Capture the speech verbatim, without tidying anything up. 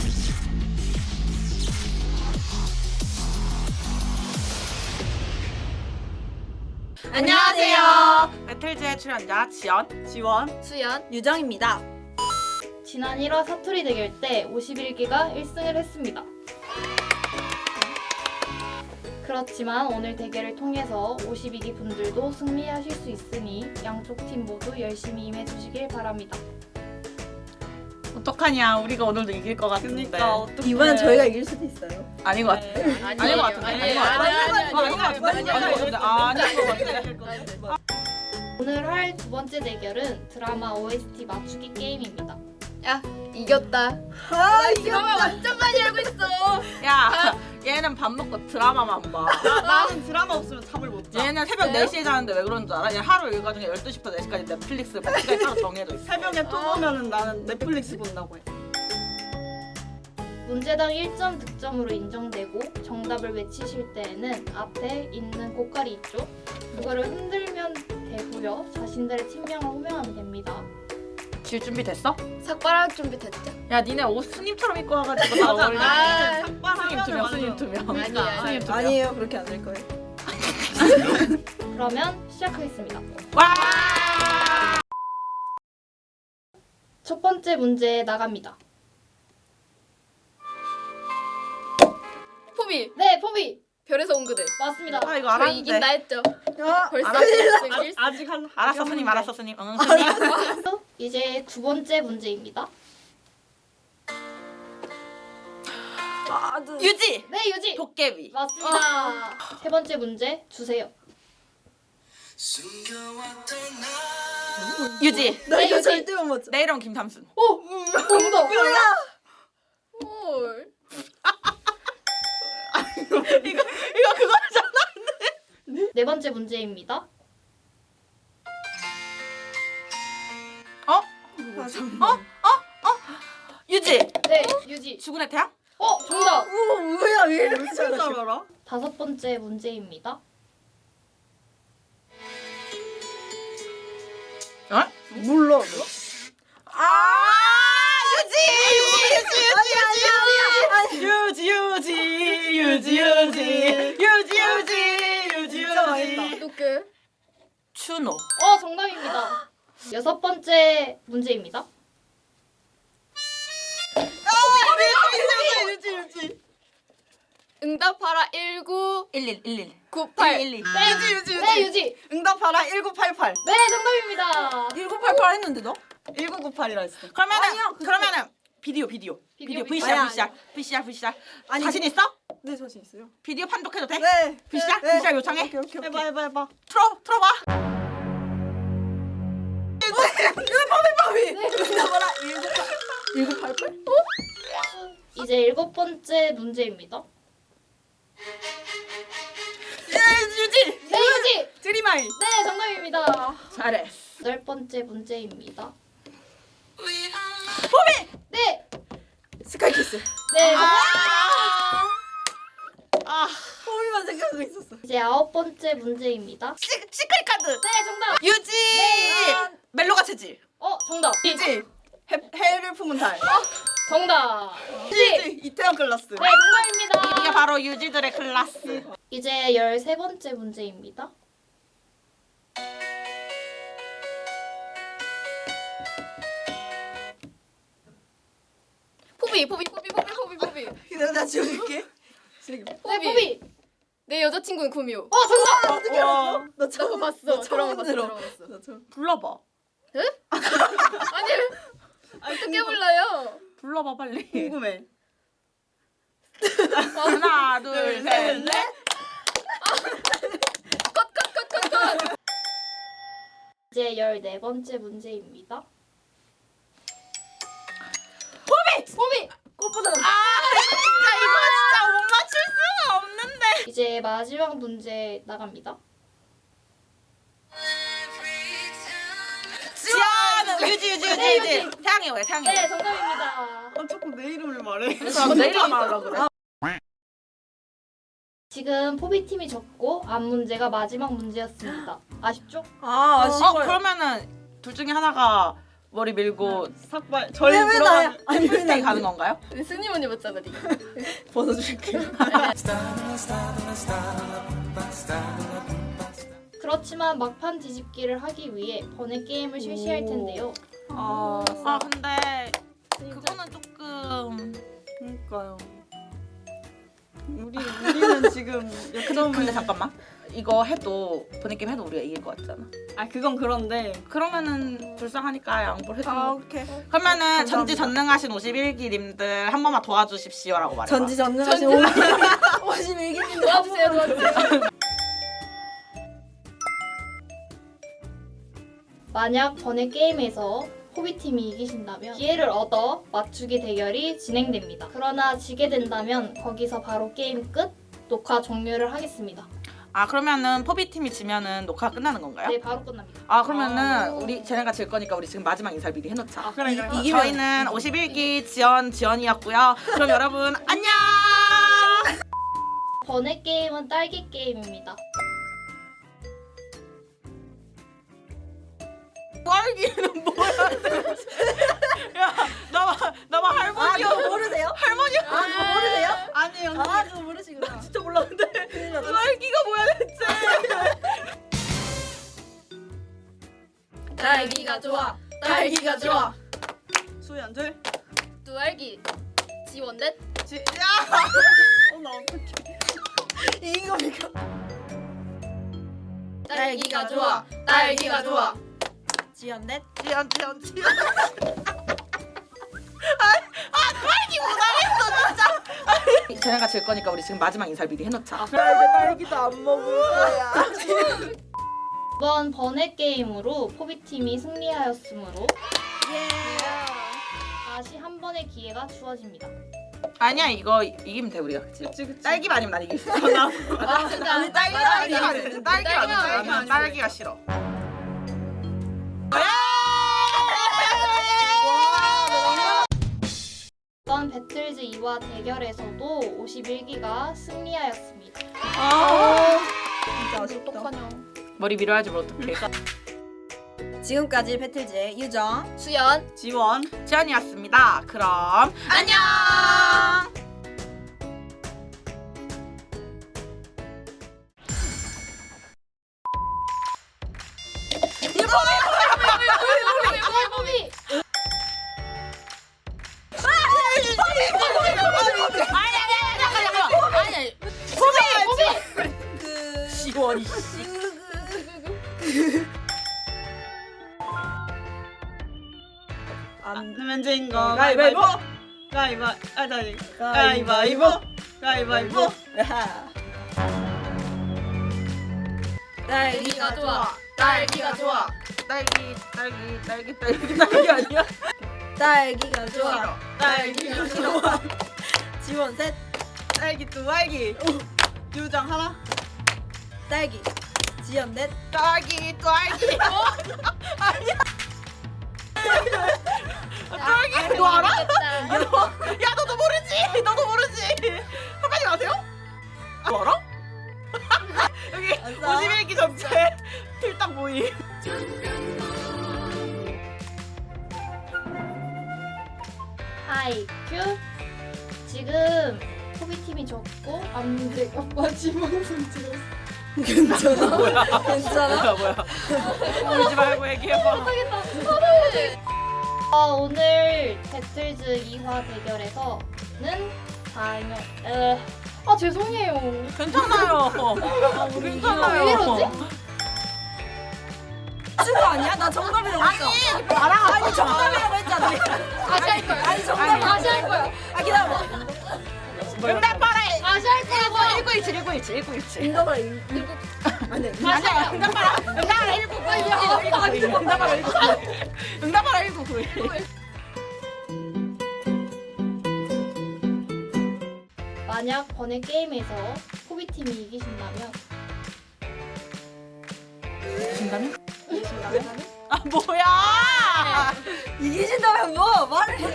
안녕하세요. 배틀즈의 출연자 지연, 지원, 수연, 유정입니다. 지난 일 화 사투리 대결 때 오십일 기가 일 승을 했습니다. 그렇지만 오늘 대결을 통해서 오십이 기 분들도 승리하실 수 있으니 양쪽 팀 모두 열심히 임해주시길 바랍니다. 어떡하냐? 우리가 오늘도 이길 것 같은데. 그러니까 어떻게 이번엔 저희가 이길 수도 있어요. 아닌 것 같아. 아닌 것 같은데. 아닌 것 같은데. 아닌 것 같은데. 아닌 것 같은데. 아닌 것 같은데. 오늘 할 두 번째 대결은 드라마 오에스티 맞추기 게임입니다. 야 이겼다. 아, 드라마 완전 많이 알고 있어. 야, 얘는 밥 먹고 드라마만 봐. 나는 드라마 없으면 잠을 못 자. 얘는 새벽 네 시에 자는데 왜 그런 줄 알아? 얘 하루 일과 중에 열두 시부터 네 시까지 넷플릭스 볼 시간이 따로 정해져 있어. 새벽에 또 보면은 나는 넷플릭스 본다고 해. 문제당 일 점 득점으로 인정되고 정답을 외치실 때에는 앞에 있는 고깔이 있죠? 그거를 흔들면 되고요. 자신들의 팀명을 호명하면 됩니다. 질 준비 됐어? 삭발할 준비 됐죠? 야, 니네 옷 스님처럼 입고 와가지고 다 어울리네. 아, 스님 두 명, 스님 두 명. 아니야. 스님 두 명. 아니에요, 그렇게 안 될 거예요. 그러면 시작하겠습니다. 와! 첫 번째 문제 나갑니다. 포비 네, 포비! 별에서 온 그들. 맞습니다. 아, 이거 저 알았는데. 이긴다 했죠. 야, 벌써 알았어. 이길 수- 아직 한 알았어, 아직 스님, 한 알았어, 스님. 응, 스님. 이제 두 번째 문제입니다. 아, 네. 유지! 네, 유지! 도깨비. 맞습니다. 세 번째 문제 주세요. 유지. 나 이거 유지. 절대 못 맞춰. 내 이름 김삼순. 오! 정답! 헐. 이거 이거 그거잖아. 네 번째 문제입니다. 어? 아, 잠깐만. 유지. 네, 유지. 죽은의 태양? 어, 정답! 오, 뭐야, 왜 이렇게 잘 잘하시 알아? 다섯 번째 문제입니다. 어? 몰라. 아 유지 유지 유지 유지 유지 유지 유지 유지 유지 진짜 망했다. 유지 누구? 추노. 어, 정답입니다. 여섯 번째 문제입니다. 유지, 유지. 응답하라 일구 일일 일일 구팔. 일일 네, 유지, 유지, 유지. 네, 유지. 응답하라 일구팔팔. 네, 정답입니다. 일구팔팔 했는데 너? 일구구팔이라 했어. 그러면은 아니야, 그거- 그러면은 비디오 비디오 비디오 비디오, 브이씨알 아니야, 브이씨알 브이씨알 브이씨알 아니, 자신 있어? 네, 자신 있어요. 비디오 판독해도 돼? 네. 브이씨알 네. 브이씨알 요청해. 오케이, 오케이, 해봐, 해봐, 해봐. 틀어 틀어봐. 응답하라 일구팔. 일구팔팔? 이제 일곱 번째 문제입니다. 유지 네, 유지. 드림아이. 네, 정답입니다. 잘해. 여덟 번째 문제입니다. 포비. 네, 스카이키스. 네. 아. 아. 포비만 생각하고 있었어. 이제 아홉 번째 문제입니다. 시, 시크릿 카드. 네, 정답. 유지. 네. 멜로가 체질. 어, 정답. 유지. 해, 해를 품은 달. 정답. 유지. 유지. 이태원 클라스. 네, 정답입니다. 이게 바로 유지들의 클라스. 이제 열세 번째 문제입니다. 포비 포비 포비 포비 포비 포비. 기다려, 나 지워줄게. 네, 포비. 포비. 내 여자친구는 구미호. 어, 정답. 어떻게 알았어? 나 나 처음 그거 봤어. 나 드라마 처음 봤어. 들어. 드라마 봤어. 나 처음. 불러봐. 아니 어떻게 불러요? 불러봐 빨리. 궁금해. 하나 둘 셋 넷. 이제 열네 번째 문제입니다. 포비. 포비. 꽃보다 아 진짜 이거 진짜 못 맞출 수가 없는데. 이제 마지막 문제 나갑니다. 지연 유지 유지 유지 네, 유지. 태양이 왜 태양이 네, 왜? 정답입니다. 아, 자꾸 내 이름을 말해. 그래서 내일 말하려고 그래. 지금 포비팀이 졌고 앞 문제가 마지막 문제였습니다. 아쉽죠? 아, 어 그러면은 둘 중에 하나가 머리 밀고 삭발 절 왜, 왜 나야? 들어가는 아니 왜 템플스테이 나? 가는 건가요? 승님 언니 맞잖아 니. 벗어줄게. 그렇지만 막판 뒤집기를 하기 위해 번외 게임을 실시할 텐데요. 아, 아 근데 그거는 조금 그러니까요. 우리 우리는 지금 역점을 근데 잠깐만 이거 해도 보내게임 해도 우리가 이길 것 같잖아. 아 그건 그런데 그러면은 불쌍하니까 양보를 해주는 아 거. 오케이. 그러면은 감사합니다. 전지전능하신 오십일 기님들 한 번만 도와주십시오라고 말해봐. 전지전능하신 오십일 기님 도와주세요 도와주세요. 만약 번외 게임에서 호비팀이 이기신다면 기회를 얻어 맞추기 대결이 진행됩니다. 그러나 지게 된다면 거기서 바로 게임 끝, 녹화 종료를 하겠습니다. 아 그러면은 포비 팀이 지면은 녹화 끝나는 건가요? 네, 바로 끝납니다. 아 그러면은 우리 쟤네가 질 거니까 우리 지금 마지막 인사를 미리 해놓자. 아 그래 그래. 이기면- 저희는 오십일 기 지연 지연이었고요. 그럼 여러분 안녕. 번외 게임은 딸기 게임입니다. 딸기는 뭐야? 야 나만 나만 아 할머니야. 그거 모르세요? 할머니야. 아 그거 모르세요? 아니 언니. 아 그거 모르시구나. 진짜 몰랐는데. 큰일 났다. 딸기가 뭐야 대체? 딸기가 좋아. 딸기가 좋아. 수연들. 두알기. 지원넷. 지. 야. 어나 어떡해. 이긴 겁니까? 딸기가 좋아. 딸기가 좋아. 지연넷. 지연 지연 지연. 아아 딸기 못하겠어 진짜. 쟤네가 질 거니까 우리 지금 마지막 인사를 미리 해놓자. 딸기도 안 먹을 거야. 이번 번외 게임으로 포비팀이 승리하였으므로 예. 다시 한 번의 기회가 주어집니다. 아니야 이거 이기면 돼 우리가 그치? 그치 그치. 딸기만 아니면 난 이길 수 있어. 아 진짜. 아니 딸기가 딸기가 아니지. 딸기가 딸기가 아니지. 아니지. 나는 딸기가 싫어. 이번 배틀즈 이와 대결에서도 오십일 기가 승리하였습니다. 아 진짜 아쉽다. 어떡하냐. 머리 밀어야지 뭘 어떡해. 지금까지 배틀즈의 유정. 수연. 지원. 지연이었습니다. 그럼 안녕. 포비! 그 지원이. 안 내면 진 거. 가위바위보. 가위바. 아 다시. 가위바위보. 가위바위보. 딸기가 좋아. 딸기가 좋아. 딸기 딸기 딸기 딸기 딸기 아니야? 딸기가 좋아. 딸기가 좋아. 지원 셋. 딸기 두 알기. 유정 하나. 딸기. 지연 넷. 딸기 딸기. 아니야. 딸기 너 알아? 야 너도 모르지? 너도 모르지? 한마디 아세요? 너 알아? 여기 아싸. 오십일 기 전체 필당 모임. 하이큐 지금 포비팀이 졌고 암제가 마지막 문제였어. 괜찮아? 뭐야? 괜찮아? 뭐야 뭐야? 울지 말고 얘기해봐. 어, 오늘 배틀즈 이 화 대결에서는 다이너 에... 아 죄송해요. 괜찮아요. 우리 괜찮아요. 왜 이러지? 친구 아니야? 나 정답이라고 했어. 아니 나랑 아니 정답이라고 했잖아. 다시 할 거야. 아니 정답. 다시 할 거야. 아 기다려. 응답하라. 다시 할 거야. 일구일칠 일구일칠 일구일칠. 응답을 일. 아니. 다시 할 거야. 응답하라. 응답하라 일구구일. 응답하라 일구구일. 응답하라 일구구일. 만약 번외 게임에서 포비팀이 이기신다면 진다면? 아 뭐야? 이기신다면 뭐 말을 해.